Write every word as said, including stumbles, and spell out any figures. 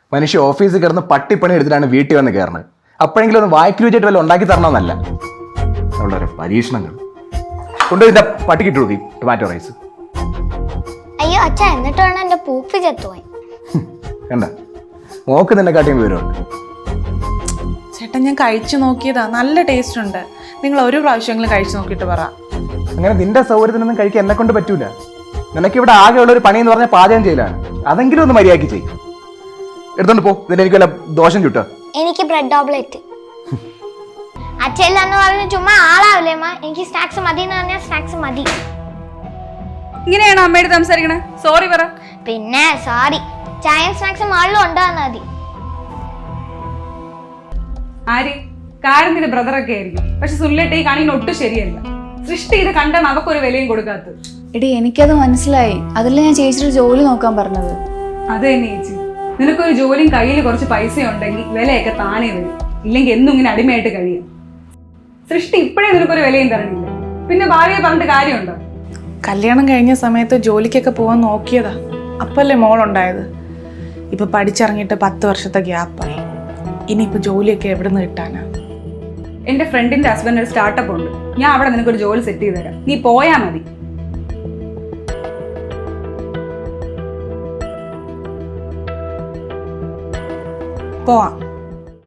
മനുഷ്യ ഓഫീസിൽ കിടന്ന് പട്ടിപ്പണി എടുത്തിട്ടാണ് വീട്ടിൽ വന്ന് കയറുന്നത്. അപ്പോഴെങ്കിലും ഒന്ന് വായ്ക്ക് രുചിയായിട്ട് വല്ല ഉണ്ടാക്കി തരണമെന്നല്ല. അവളുടെ ഒരു പരീക്ഷണങ്ങൾ കൊണ്ടുപോയി ഇതിന്റെ പട്ടിക്കിട്ട് കൊടുക്കും ടൊമാറ്റോ റൈസ്. അയ്യോ അച്ഛ, എന്നിട്ട് വേണം എന്റെ പൂപ്പി ചത്തുപോയി. കണ്ട മോക്ക് നിന്നെ കാട്ടിയും വിവരമുണ്ട്. ചേട്ടാ ഞാൻ കഴിച്ചു നോക്കിയതാ, നല്ല ടേസ്റ്റ് ഉണ്ട്. നിങ്ങൾ ഒരു പ്രാവശ്യമെങ്കിലും കഴിച്ചു നോക്കിയിട്ട് പറ. അങ്ങനെ നിന്റെ സൗകര്യത്തിനൊന്നും കഴിക്കാൻ എന്നെ കൊണ്ട് പറ്റൂല. നിനക്ക് ഇവിടെ ആകെയുള്ള ഒരു പണി എന്ന് പറഞ്ഞാൽ പാചകം ചെയ്യലാണ്. അതെങ്കിലും ഒന്ന് മര്യാദയ്ക്ക് ചെയ്യും. എടുത്തോണ്ട് പോ, ഇതിന് എനിക്ക് വല്ല ദോഷം ചുട്ടോ. എനിക്ക് ബ്രെഡ് ഓംലെറ്റ്. അച്ഛല്ല എന്ന് പറഞ്ഞ ചുമ്മാ ആളാവില്ലേ അമ്മ? എനിക്ക് സ്നാക്സ് മതി എന്ന് പറഞ്ഞാൽ സ്നാക്സ് മതി. ഇങ്ങനെയാണോ അമ്മയോട് സംസാരിക്കണേ? സോറി പറ. പിന്നെ സോറി, ചായയും സ്നാക്സും ആളിലും ഉണ്ടാകുന്ന മതി. ആര് കാരത്തിന്റെ ബ്രദറൊക്കെ ആയിരിക്കും, പക്ഷെ സുല്ലേട്ട് ഈ കാണിക്കുന്ന ഒട്ടും ശരിയല്ല. സൃഷ്ടി ഇത് കണ്ടാണ് അവക്കൊരു വിലയും കൊടുക്കാത്തത്. എടി എനിക്കത് മനസ്സിലായി, അതല്ല ഞാൻ ചേച്ചിയുടെ ജോലി നോക്കാൻ പറഞ്ഞത്. അത് തന്നെ ചേച്ചി, നിനക്കൊരു ജോലിയും കയ്യിൽ കുറച്ച് പൈസ ഉണ്ടെങ്കിൽ വിലയൊക്കെ താനേ വരും. ഇല്ലെങ്കിൽ എന്നും ഇങ്ങനെ അടിമയായിട്ട് കഴിയും. സൃഷ്ടി ഇപ്പോഴേ നിനക്കൊരു വിലയും തരണില്ല, പിന്നെ ഭാവിയെ പറഞ്ഞിട്ട് കാര്യമുണ്ടോ? കല്യാണം കഴിഞ്ഞ സമയത്ത് ജോലിക്കൊക്കെ പോകാൻ നോക്കിയതാ, അപ്പല്ലേ മോളുണ്ടായത്. ഇപ്പൊ പഠിച്ചിറങ്ങിയിട്ട് പത്ത് വർഷത്തെ ഗ്യാപ്പായി. ഇനിയിപ്പോ ജോലിയൊക്കെ എവിടെ നിന്ന് കിട്ടാനാ? എന്റെ ഫ്രണ്ടിന്റെ ഹസ്ബൻഡ് ഒരു സ്റ്റാർട്ടപ്പ് ഉണ്ട്, ഞാൻ അവിടെ നിനക്കൊരു ജോലി സെറ്റ് ചെയ്ത് തരാം, നീ പോയാ മതി. പോവാം.